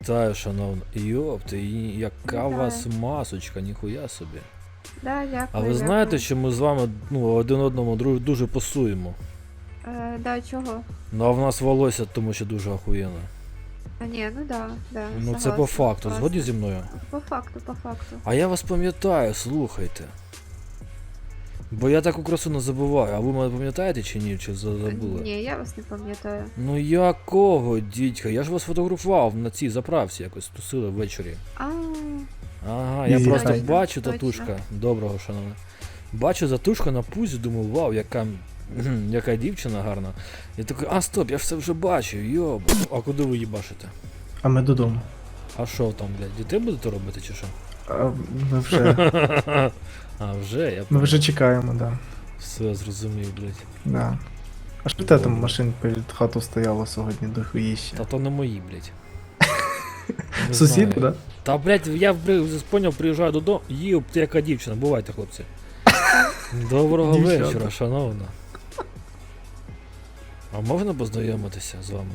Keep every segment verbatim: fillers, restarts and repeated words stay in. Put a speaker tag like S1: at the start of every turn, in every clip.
S1: Вітаю, шановна. Йопти, і яка у
S2: Вітаю.
S1: вас масочка, ніхуя собі.
S2: Да, дякую.
S1: А ви знаєте, що ми з вами ну, один одному дру- дуже пасуємо?
S2: Е, да, чого?
S1: Ну а в нас волосся, тому що дуже охуєнно.
S2: А ні, ну да, да.
S1: Ну це
S2: согласна,
S1: по факту,
S2: класно.
S1: згодні зі мною?
S2: По факту, по факту.
S1: А я вас пам'ятаю, слухайте. Бо я таку красу не забуваю, а ви мене пам'ятаєте чи ні, чи за- забули?
S2: Ні, я вас не пам'ятаю.
S1: Ну якого, дідька? Я ж вас фотографував на цій заправці якось тусили ввечері.
S2: А,
S1: Ага, я
S3: Ні,
S1: просто
S2: точно,
S1: бачу
S2: точно.
S1: татушка. Доброго, шановне. Бачу татушка на пузі, думаю, вау, яка, кхм, яка дівчина гарна. Я такий, а стоп, я ж це вже бачив, йоб. А куди ви їбашите?
S3: А ми додому.
S1: А що там, блядь, дітей будете робити чи що?
S3: А ми вже.
S1: А, вже, я
S3: Ми вже чекаємо, да.
S1: все зрозумів, блядь.
S3: да. А що те там машин перед хату стояло сьогодні до хуїща?
S1: Та то не мої, блядь. Не
S3: Сусіди,
S1: знаю.
S3: да?
S1: Та, блядь, я бри- поняв, приїжджаю додому, їб, ти яка дівчина, бувайте, хлопці. Доброго
S3: Дівчата.
S1: вечора, шановна. А можна познайомитися з вами?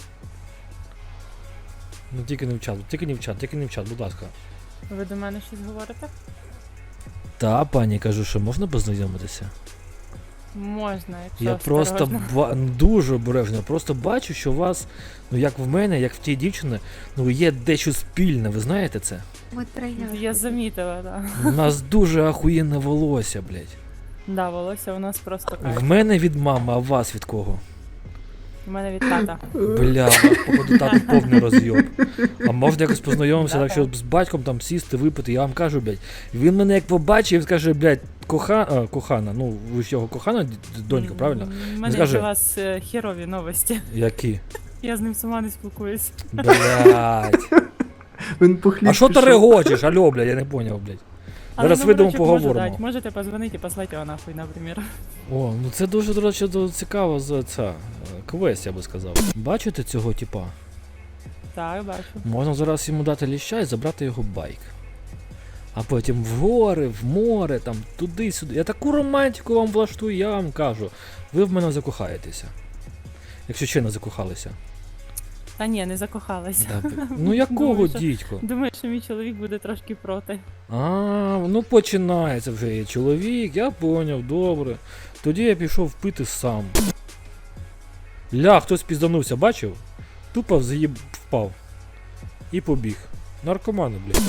S1: Ну тільки не в чат, тільки не в чат, тільки не в чат, будь ласка.
S4: Ви до мене щось говорите?
S1: Та, пані, кажу, що можна познайомитися?
S4: Можна, якщо
S1: Я просто
S4: осторожно.
S1: ба- дуже обережно, просто бачу, що у вас, ну як в мене, як в тій дівчини, ну є дещо спільне, ви знаєте це?
S2: ми тройняшки.
S4: Я замітила, так.
S1: У нас дуже ахуєнне волосся, блядь.
S4: Да, волосся у нас просто
S1: В
S4: кайф.
S1: мене від мами, а у вас від кого?
S4: У мене від тата.
S1: Бля, у вас, походу тату повний розйоб. А можна якось познайомитися, так
S4: Да-да.
S1: що з батьком там сісти, випити, я вам кажу, блядь. Він мене як побачив, він скаже, блядь, коха... а, кохана, ну ви ж його кохана, д- донька, правильно?
S4: У мене
S1: Скажи.
S4: для вас е, херові новості.
S1: Які?
S4: Я з ним сама не спілкуюсь.
S1: Блядь.
S3: Він по хліб
S1: А що ти
S3: пішов.
S1: регочеш? Алло, блядь, я не поняв, блядь.
S4: Але
S1: Зараз вийдемо,
S4: номерочок можу
S1: поговоримо.
S4: дати. Можете позвонити і послати його нахуй, наприклад.
S1: О, ну це дуже, до речі, до- цікаво за це. е, Квест, я би сказав. Бачите цього типа?
S4: Так, бачу.
S1: Можна зараз йому дати ліща і забрати його байк. А потім в гори, в море, там, туди-сюди. Я таку романтику вам влаштую, я вам кажу. Ви в мене закохаєтеся. Якщо ще не закохалися.
S4: Та ні, не закохалася.
S1: Да, б- ну якого,
S4: Думаю, що-
S1: дідько?
S4: Думаю, що мій чоловік буде трошки проти.
S1: А, ну починається вже є чоловік, я поняв, добре. Тоді я пішов пити сам. Ля, хтось пізданувся, бачив? Тупо взаїб впав. І побіг. Наркомани, блядь.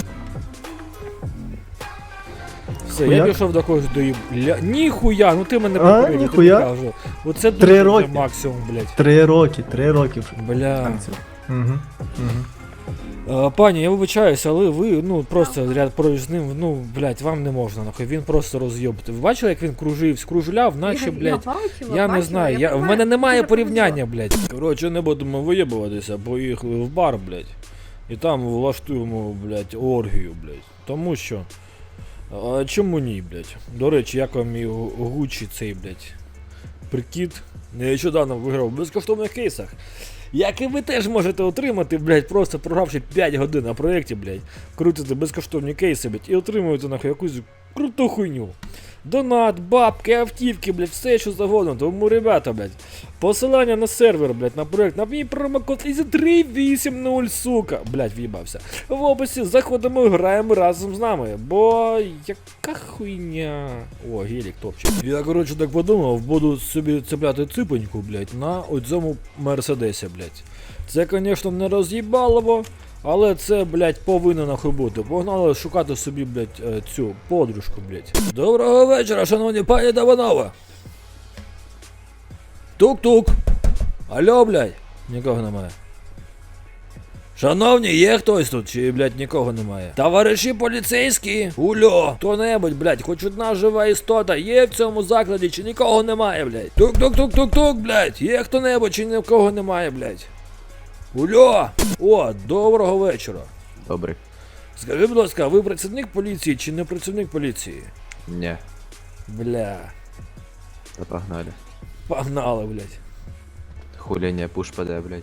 S1: Все, я
S3: Хуяк?
S1: пішов до когось до їб... Ля... Ніхуя, ну ти мене
S3: А,
S1: попередив, тобі
S3: ніхуя?
S1: кажу. Оце
S3: Три
S1: дуже
S3: роки.
S1: максимум, блядь.
S3: Три роки, три роки вже.
S1: Бля.
S3: Угу. Угу.
S1: А, пані, я вибачаюся, але ви, ну, просто ряд поруч з ним, ну, блядь, вам не можна, нахуй, він просто роз'єбати. Ви бачили, як він кружив, скружляв, наче,
S2: я,
S1: блядь,
S2: я, бачила,
S1: я не
S2: бачила,
S1: знаю, я, в
S2: понимаю,
S1: мене немає
S2: дуже повезло.
S1: порівняння, блядь. Коротше, не будемо виєбуватися, поїхали в бар, блядь, і там влаштуємо, блядь, оргію, блядь. Тому що, а чому ні, блядь? До речі, як вам мій гу- гучі цей, блядь, прикид? Нещодавно виграв в безкоштовних кейсах. Як і ви теж можете отримати, блядь, просто програвши п'ять годин на проєкті, блядь, крутите безкоштовні кейси, блядь, і отримуєте нахуй якусь круту хуйню. Донат, бабки, автівки, блядь, все що завгодно. Тому, ребята, блядь, посилання на сервер, блядь, на проєкт, на мій промокод із три вісімдесят, сука, блядь, в'їбався. В описі заходимо і граємо разом з нами, бо яка хуйня. О, гелік топчик. Я, коротше, так подумав, буду собі цепляти ципоньку, блядь, на оцьому мерседесі, блядь. Це, звісно, не роз'їбалово, але це, блядь, повинно нахуй бути. Погнали шукати собі, блядь, е, цю подружку, блядь. Доброго вечора, шановні пані та панове. Тук-тук. Алло, блядь. Нікого немає. Шановні, є хтось тут, чи, блядь, нікого немає? Товариші поліцейські, ульо, хто-небудь, блядь, хоч одна жива істота є в цьому закладі, чи нікого немає, блядь? Тук-тук-тук-тук-тук, блядь, є хто-небудь, чи нікого немає, блядь? Ульо! О, доброго вечора.
S5: Добрий.
S1: Скажи, будь ласка, ви працівник поліції чи не працівник поліції?
S5: Ні,
S1: Бля,
S5: та погнали.
S1: погнали, блядь.
S5: Хуління пуш паде, блядь.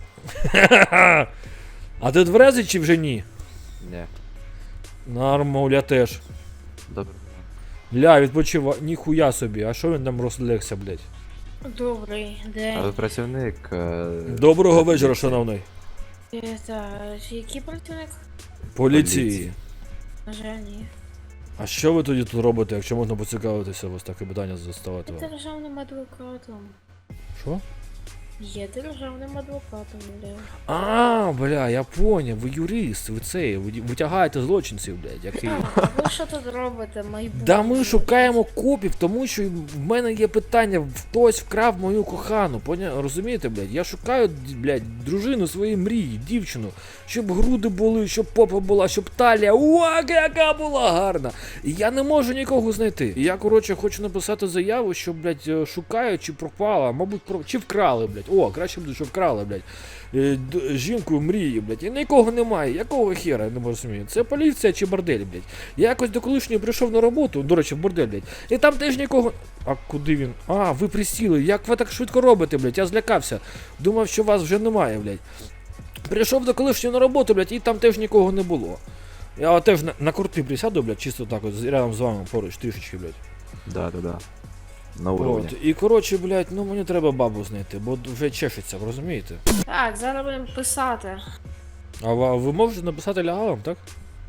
S1: А ти тверезий чи вже ні?
S5: Ні.
S1: Нормально, я теж.
S5: Добре.
S1: Ля, відпочива, ніхуя собі, а що він там розлегся, блядь?
S6: Добрий
S5: А
S6: день.
S5: ви працівник. е,
S1: Доброго
S5: поліції?
S1: вечора, шановний.
S6: Это який працівник?
S1: Поліції.
S6: На жаль, ні.
S1: А що ви тоді тут робите, якщо можна поцікавитися, ось таке питання заставати
S6: Я
S1: вам?
S6: державним адвокатом.
S1: Що?
S6: Є державним адвокатом, бля.
S1: А, бля, я поняв, ви юрист, ви цей, ви витягаєте злочинців, блядь, який.
S6: А ви що тут робите, майбутнє?
S1: Да ми шукаємо копів, тому що в мене є питання, хтось вкрав мою кохану, поня... розумієте, блядь? Я шукаю, блядь, дружину своєї мрії, дівчину, щоб груди були, щоб попа була, щоб талія, уа, яка була гарна. І я не можу нікого знайти. І я, коротше, хочу написати заяву, що, блядь, шукаю, чи пропала, мабуть, про... чи вкрали, блядь. О, краще буде, що вкрали, блядь. Е, д- Жінку мрії, блядь, і нікого немає. Якого хера, я не можу розуміти. Це поліція чи бордель, блядь. Я якось до колишньої прийшов на роботу, до речі, в бордель, блядь. І там теж нікого. А куди він? А, ви присіли. Як ви так швидко робите, блядь? Я злякався. Думав, що вас вже немає, блядь. Прийшов до колишньої на роботу, блядь, і там теж нікого не було. Я теж на, на курти присяду, блядь, чисто так от, рядом з вами поруч, трішечки, блядь.
S5: Да, да, да. На уровне.
S1: От. І коротше, блядь, ну мені треба бабу знайти, бо вже чешеться, ви розумієте?
S6: Так, зараз будемо писати.
S1: А ви, ви можете написати лягавим, так?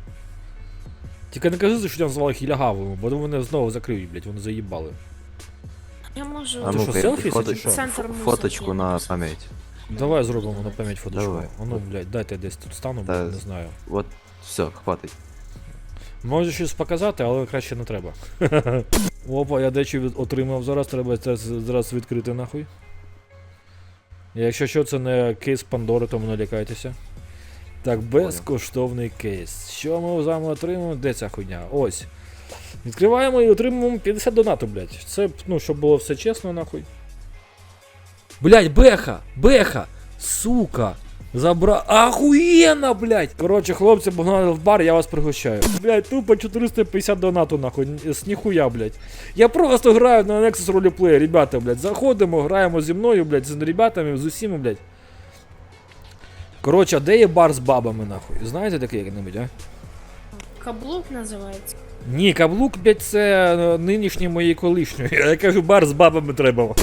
S1: Тільки не кажи, що я назвав їх лягавими, бо вони знову закриють, блядь, вони заїбали.
S6: Я можу.
S5: А
S1: Ти
S5: ну
S1: що,
S5: ка
S1: селфі
S5: фото...
S1: чи що?
S6: Центр музики.
S5: фоточку на пам'ять.
S1: Давай зробимо на пам'ять фоточку.
S5: Давай.
S1: А ну, блядь, дайте я десь тут стану,
S5: Та-
S1: блядь, не знаю.
S5: От, все, хватить.
S1: Можу щось показати, але краще не треба. Опа, я дечо від- отримав зараз, треба це з- зараз відкрити нахуй. Якщо що, це не кейс Пандори, тому не лякайтеся. Так, безкоштовний кейс. Що ми з вами отримаємо? Де ця хуйня? Ось. Відкриваємо і отримуємо п'ятдесят донату, блядь. Це, ну, щоб було все чесно, нахуй. Блядь, беха! Беха! Сука! Забра... Ахуєнно, блядь! Коротше, хлопці, погнали в бар, я вас пригощаю. Блядь, тупо чотириста п'ятдесят донату, нахуй, з ніхуя, блядь. Я просто граю на Nexus Roleplay, ребята, блядь. Заходимо, граємо зі мною, блядь, з ребятами, з усіма, блядь. Коротше, а де є бар з бабами, нахуй? Знаєте таке як-небудь, а?
S6: Каблук називається.
S1: Ні, каблук, блядь, це е, нинішній моєї колишньої. Я кажу, бар з бабами треба.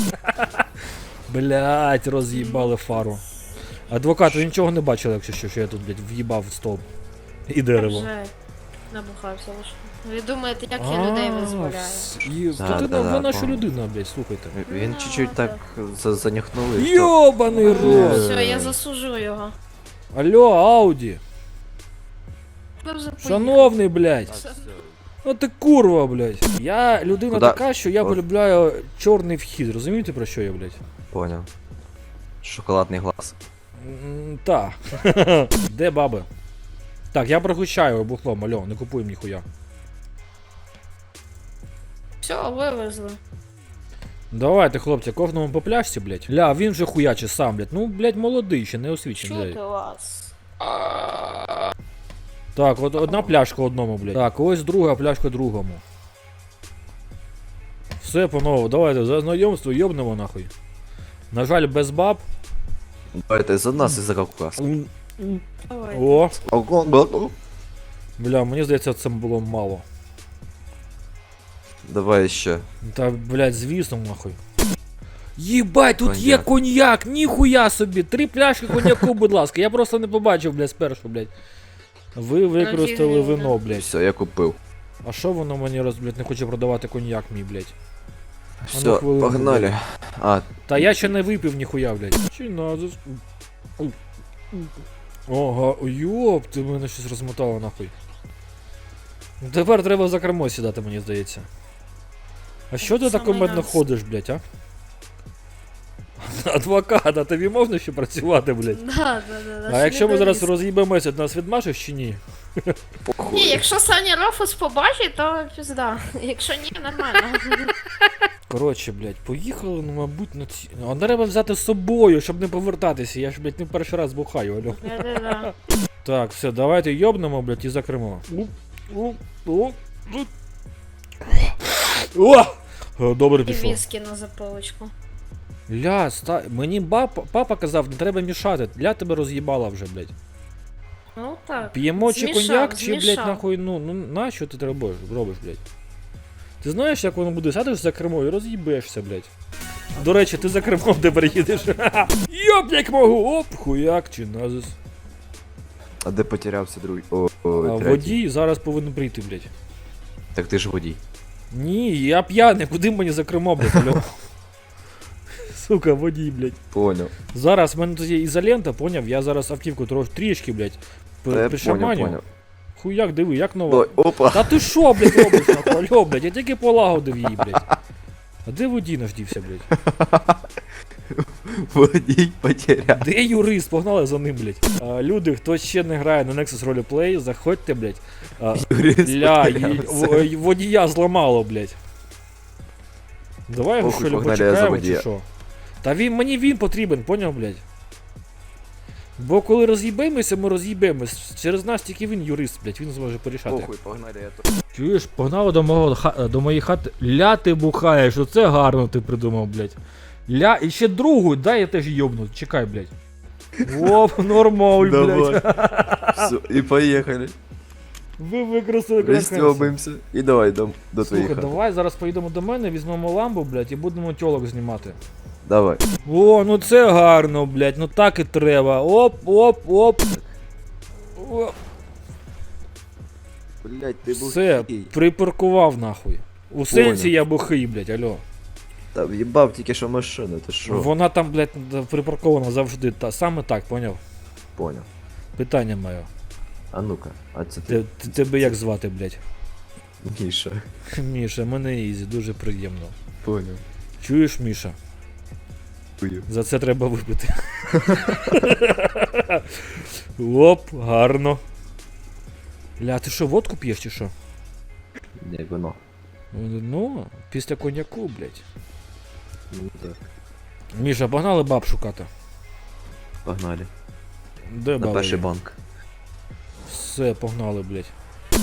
S1: Блядь, роз'їбали фару. Адвокат, ви нічого не бачили, якщо що, що я тут, блядь, в'їбав в стовп. І дерево.
S6: Вже набухався лише. Ви думаєте, як я людей визволяю?
S1: І...
S5: Да,
S1: Та ти
S5: да,
S1: ви
S5: да,
S1: наша
S5: помню.
S1: людина, блядь, слухайте.
S5: Він
S6: Ну,
S5: чуть-чуть
S6: да.
S5: так за- занюхнув і все.
S1: Йобаний рот!
S6: Все, я засуджую його.
S1: Алло, Ауді!
S6: Ви вже поїхали.
S1: Шановний, блядь! Ну ти курва, блядь! Я людина
S5: Куда?
S1: така, що я
S5: О.
S1: полюбляю чорний вхід, розумієте про що я, блядь?
S5: Поняв. Шоколадний глаз.
S1: М, Та. Де баби? Так, я пригощаю бухлом, алло, не купуємо ніхуя.
S6: Все, вивезли.
S1: Давайте, хлопці, кожному по пляшці, блядь. Ля, він вже хуяче сам, блядь. Ну, блядь, молодий ще, не освічений.
S6: Чути
S1: блядь.
S6: вас.
S1: Так, от одна пляшка одному, блядь. Так, ось друга пляшка другому. Все, панове, давайте за знайомство йобнемо нахуй. На жаль, без баб.
S5: Давайте за нас і за Кавказ.
S1: М,
S6: Давай.
S1: О, бля, мені здається, це було мало.
S5: Давай ще.
S1: Та, блядь, звісно, нахуй. Єбать, тут є
S5: Коньяк.
S1: коньяк, ніхуя собі. Три пляшки коньяку, будь ласка. Я просто не побачив, блядь, спершу, блядь. Ви використали
S6: Офігенно.
S1: вино, блядь.
S5: Все, я купив.
S1: А що воно мені роз, блядь, не хоче продавати коньяк мій, блядь?
S5: Все,
S1: хвилинку,
S5: погнали. А,
S1: Та я ще не випив ніхуя, блядь. Чи назис? Ого, йоп, ти мене щось розмотало нахуй. Ну, тепер треба за кермо сідати, мені здається. А що ти так
S6: Саме
S1: кумедно
S6: нас.
S1: ходиш, блядь, а? Адвокат, а тобі можна ще працювати, блядь?
S6: Да, да, да, да.
S1: А якщо ми зараз
S6: Слідовість.
S1: роз'їбемося, ти нас відмашеш чи ні?
S6: Ні,
S5: похуй.
S6: якщо Саня Рофус побачить, то пізда. Якщо ні, нормально.
S1: Коротше, блядь, поїхали, ну, мабуть, на ці. А треба взяти з собою, щоб не повертатися. Я ж, блядь, не перший раз бухаю, алло.
S6: Да-да-да.
S1: Так, все, давайте йобнемо, блядь, і закримо. О! О! О! О! Добре
S6: І
S1: пішов.
S6: віскі на заполочку.
S1: Ля, ста... мені баб... папа казав, не треба мішати. Ля тебе роз'їбала вже, блядь.
S6: Ну так.
S1: П'ємо чи
S6: Змішав,
S1: коньяк, чи, блядь,
S6: змішав.
S1: нахуй, ну, ну, на що ти робиш, робиш, блядь? Ти знаєш, як воно буде? Сядеш за кермо і роз'їбешся, блядь. До речі, ти за кермом тепер їдеш. Йоп, як можу! Оп, хуяк чи назис.
S5: А де потерявся другий? О,
S1: А
S5: о, третій.
S1: водій зараз повинен прийти, блядь.
S5: Так ти ж водій.
S1: Ні, я п'яний, куди мені за кермо, блядь, алло? Сука, водій, блядь.
S5: Поняв.
S1: Зараз в мене тут є ізолента, поняв? Я зараз автівку трош трішки, блядь,
S5: Та я поняв,
S1: пришаманю.
S5: поняв.
S1: Хуяк, диви, як нова.
S5: Ой, опа.
S1: Та ти шо, блядь, робиш, нахуй, алло, блядь, я тільки полагодив її, блядь. А де водій наш дівся, блядь?
S5: Водій потеряв.
S1: Де юрист? Погнали за ним, блядь. А, люди, хто ще не грає на Nexus Roleplay, заходьте, блядь. А,
S5: Юрист
S1: ля,
S5: потерявся.
S1: й- в- водія зламало, блядь. Давай його
S5: Похуй,
S1: що ли
S5: погнали, я за
S1: почекаємо чи
S5: водія.
S1: що? Та він, мені він потрібен, поняв, блядь? Бо коли роз'їбемося, ми роз'їбемось. Через нас тільки він юрист, блядь, він зможе порішати.
S5: Похуй, погнали, я тут.
S1: Чуєш, погнали до мого ха- до моєї хати. Ля ти бухаєш, оце гарно ти придумав, блядь. Ля, і ще другу, дай я теж йобну, чекай, блядь. Оп, нормаль,
S5: Давай.
S1: блядь.
S5: Все, і поїхали.
S1: Ви використали красавця.
S5: Пристьобуємося. І давай до, до твоїх
S1: Слухай,
S5: хат.
S1: давай зараз поїдемо до мене, візьмемо ламбу, блядь, і будемо тьолок знімати.
S5: Давай.
S1: О, ну це гарно, блядь, ну так і треба. Оп, оп, оп. Оп.
S5: Блять, ти був
S1: Все,
S5: хій.
S1: припаркував нахуй. У сенсі
S5: Понял.
S1: я бухий, блядь, алло.
S5: Та в'їбав тільки що машину, ти що?
S1: Вона там, блядь, припаркована завжди. Та, саме так, поняв?
S5: Поняв.
S1: Питання моє.
S5: А ну-ка, а це
S1: Те-
S5: ти?
S1: те- Тебе як звати, блядь?
S5: Міша.
S1: Міша, мене Ізі, дуже приємно.
S5: Поняв.
S1: Чуєш, Міша?
S5: Чую.
S1: За це треба випити. Оп, гарно. Ля, ти що, водку п'єш чи що?
S5: Не, вино.
S1: Ну, після коньяку, блядь.
S5: Ну так.
S1: Міша, погнали баб шукати.
S5: Погнали.
S1: Де
S5: На
S1: баби?
S5: перший
S1: є?
S5: банк.
S1: Все, погнали, блядь.